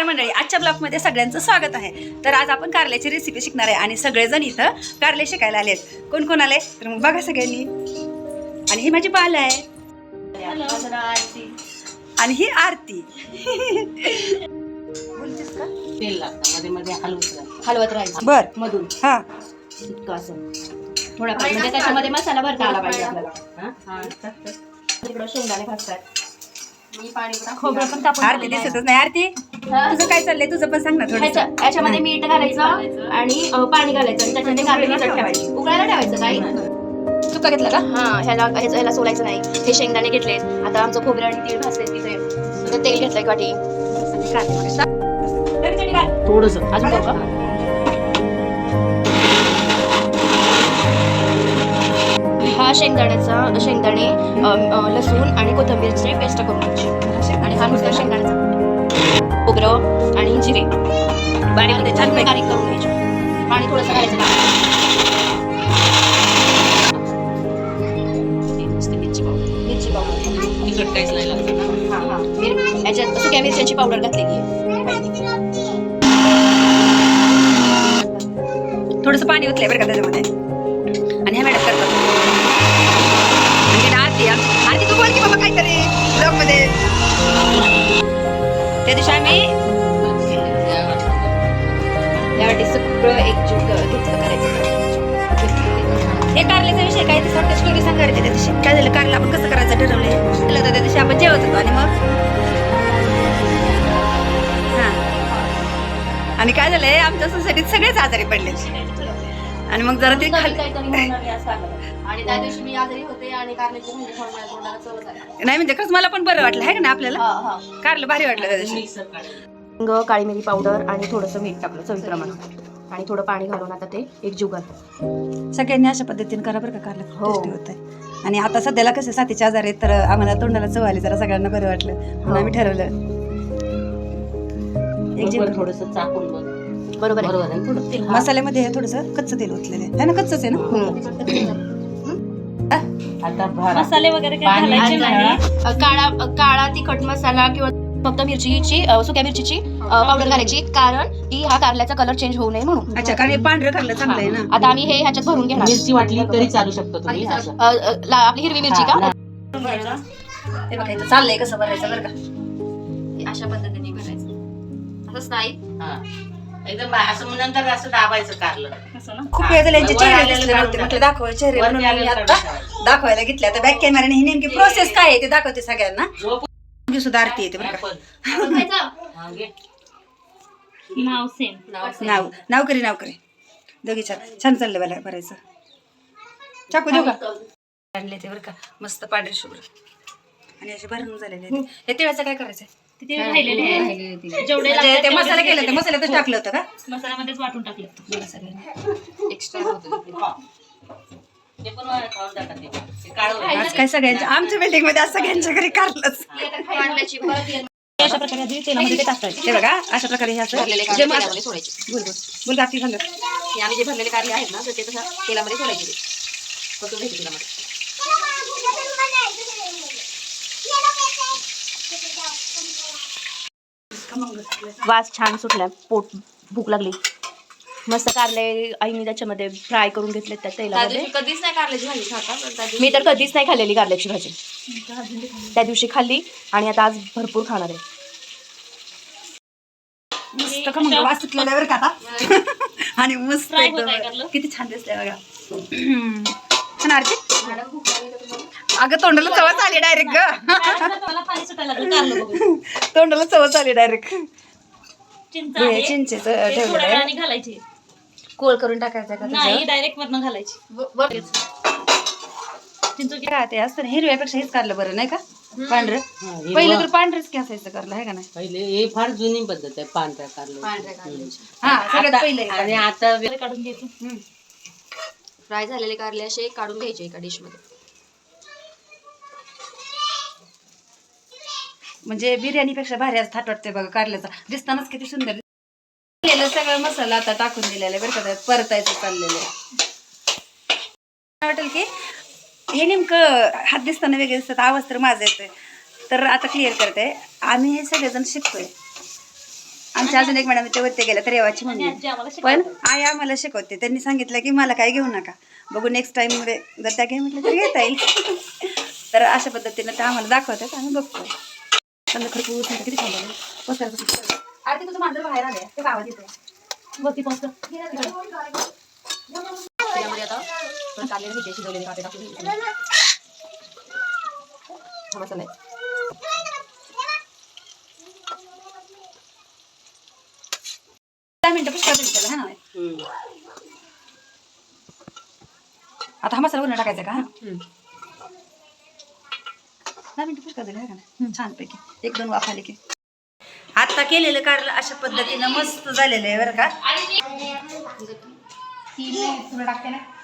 मंडळी, आजच्या ब्लॉगमध्ये सगळ्यांचं स्वागत आहे. तर आज आपण कारल्याची रेसिपी शिकणार आहे आणि सगळेजण इथं कारले शिकायला आलेत. कोण कोण आले तर मग बघा सगळ्यांनी. आणि ही माझी बाल आहे आणि ही आरती. बोलतेस का? तेल लागतं मध्ये मध्ये हलवत राहायचं बर मधून. हा इतकं असं थोडा म्हणजे त्याच्यामध्ये मसाला भरता आला पाहिजे आपल्याला. तिकडं शेंगदाणे भाजतात. खोबरं पण कापून आरती दिसतच नाही. आरती तुझं काय चाललंय? तुझं पण सांग ना थोडं. याच्यामध्ये मीठ घालायचं आणि पाणी घालायचं आणि त्याच्यामध्ये कारले भिजत ठेवायचे. उकळायला ठेवायचं काही चुका घेतला का? हा ह्याला सोलायचं नाही. हे शेंगदाणे घेतलेत. आता आमचं खोबरं आणि तीळ भाजले तिथे. तेल घेतलंय वाटी. थोडस अजून बघा. हा शेंगदाणे लसूण आणि कोथिंबीरची पेस्ट करून घ्यायची. आणि हा नुसता शेंगदाण्याचा खोबरं आणि जिरे बारीक छान बारीक करून घ्यायचे. पाणी थोडंसं घालायचं. मिरची पावडर तिखट काहीच नाही लागत. याच्यात सुक्या मिरच्यांची पावडर घातलेली आहे. थोडंसं पाणी ओतलंय बरं का त्याच्यामध्ये. आणि ह्या मॅडम करतात. आरती तू बोल की बाबा काहीतरी ब्लॉग मध्ये. त्या दिवशी आम्ही यासाठी सगळं एकजीव घेतलं करायचं. हे कारल्याचा विषय काय ते शॉर्ट स्टोरी सांगायची. त्या दिवशी काय झालं, कारला आपण कसं करायचं ठरवलंय. तर त्या दिवशी आपण जेवत होतो आणि मग हा आणि काय झालंय, आमच्या सोसायटीत सगळेच आजारी पडले. आणि मग जरा ते आणि त्या दिवशी मी आजारी होते आणि कारल्याची भाजी खाऊन माझ्या तोंडाला चव झाली. नाही म्हणजे खरंच मला पण बरं वाटलं आहे का ना आपल्याला. कारलं भारी वाटलं त्या दिवशी. काळी मिरी पावडर आणि थोडंसं मीठ टाकलं चवीप्रमाणे आणि थोडं पाणी घालून आता ते एकजीव घालतो. सगळ्यांनी अशा पद्धतीने करा बरं का. कारलं टेस्टी होत आहे. आणि आता सध्याला कसे साथीचे आजार आहेत तर आम्हाला तोंडाला चव आली, जरा सगळ्यांना बरं वाटलं म्हणून आम्ही ठरवलं एक थोडंसं चाकून बघ. बरोबर आहे. मसाल्यामध्ये थोडंसं कच्चं तेल ओतलेलं आहे ना. कच्चंच आहे ना. आता मसाले वगैरे काळा तिखट मसाला किंवा फक्त मिरचीची सुक्या मिरचीची पावडर घालायची, कारण की हा कारल्याचा कलर चेंज होऊ नये म्हणून. अच्छा, कारण हे पांढरं कारलं चांगलं आहे ना. आता आम्ही हे ह्याच्यात भरून घेणार. मिरची वाटली तरी चालू शकतो तुम्ही. आपली हिरवी मिरची का हे बघा इथं चाललंय कसं भरायचं बरं का. अशा पद्धतीने भरायचं. असंच नाही एकदम असं नंतर असं दाबायचं कारलं. खूप वेळ झाले यांचे चेहरे दिसले नव्हते, म्हटलं दाखवाय चेहरे म्हणून मी आता दाखवायला घेतले. आता बॅक कॅमेराने ही नेमकी प्रोसेस काय आहे ते दाखवते सगळ्यांना. सुद्धा आरती येते बरं का. नाव करी दोघी छान चाललंय मला भरायचं. चाकू देऊ का? आणले ते बरं का मस्त पांढरे शुभ्र आणि असे भरून झालेले आहेत. हे तिळाचं काय करायचं? ते मसाला केलं ते मसाल्यातच टाकलं होतं का? मसाल्यामध्येच वाटून टाकलं एक्स्ट्रा. आज काय सगळ्यांच्या आमच्या बिल्डिंग मध्ये आज सगळ्यांच्या घरी कारलंच. अशा प्रकारे तेलामध्ये ते टाकायचे. हे बघा अशा प्रकारे हे असं बोल गाठी झालं. आम्ही जे भरलेले कारले आहेत ना तर ते तसं तेलामध्ये सोडायचे. तेलामध्ये वास छान सुटला. पोट भूक लागली. मस्त कारले आईने त्याच्यामध्ये फ्राय करून घेतले त्या तेलामध्ये. कधीच नाही कारल्याची भाजी खाता. मी तर कधीच नाही खाल्लेली कारल्याची भाजी. त्या दिवशी खाल्ली आणि आता आज भरपूर खाणार आहे. मस्त खमंग वास सुटलेला बरं का आता. आणि मस्त एकदम किती छान दिसतंय बघा. छान आरती. अगं तोंडाला चवच आली डायरेक्ट ग. तोंडाला चवच आली डायरेक्ट. चिंचेच ठेवलं कोळ करून टाकायचं का? नाही डायरेक्ट वरनं घालायची. ते असतं ना हिरव्यापेक्षा हेच कारलं बरं नाही का. पांढरं पहिलं तर पांढरच की असायचं कारलं आहे का नाही. पहिले हे फार जुनी पद्धत आहे पांढऱ्या कारलं. हा सगळ्यात पहिले. आणि आता काढून घ्यायचं. फ्राय झालेले कारले असे काढून घ्यायचे एका डिश मध्ये. म्हणजे बिर्याणीपेक्षा भारी आज थाट वाटतंय बघा. कारल्याचा दिसतानाच किती सुंदर सगळं मसाला आता टाकून दिलेला आहे बरं का. परतायचं चाललेलं आहे. वाटेल की हे नेमकं हात दिसताना वेगळे दिसतात, आवाज तर माझा येतोय. तर आता क्लिअर करते, आम्ही हे सगळेजण शिकतोय. आमच्या अजून एक मॅडम ते वरती गेल्या तर रेवाची आणि मम्मी आजी आम्हाला पण शिकवतात. आई आम्हाला शिकवते. त्यांनी सांगितलं की मला काय घेऊ नका, बघू नेक्स्ट टाइम जर त्या घे म्हटलं तर घेता येईल. तर अशा पद्धतीनं ते आम्हाला दाखवतात, आम्ही बघतो. समजा खरपूर किती छान झालं. पोस्टर आरती तुझं मांजर बाहेर आलंय, ते गावात येतोय वरती पोस्ट त्यामध्ये आता काढलेले घ्यायचे, शिजवलेले काटे टाकून हा मसाला आहे. 10 मिनिटं पुष्कळ झाली त्याला, हा ना. आता हा मसाला वरून टाकायचा का? 10 मिनिटं पुष्कळ झाली, का ना छानपैकी 1-2 वाफ आले की. आता केलेलं कारलं अशा पद्धतीनं मस्त झालेलं आहे बरं का. तुला टाकते ना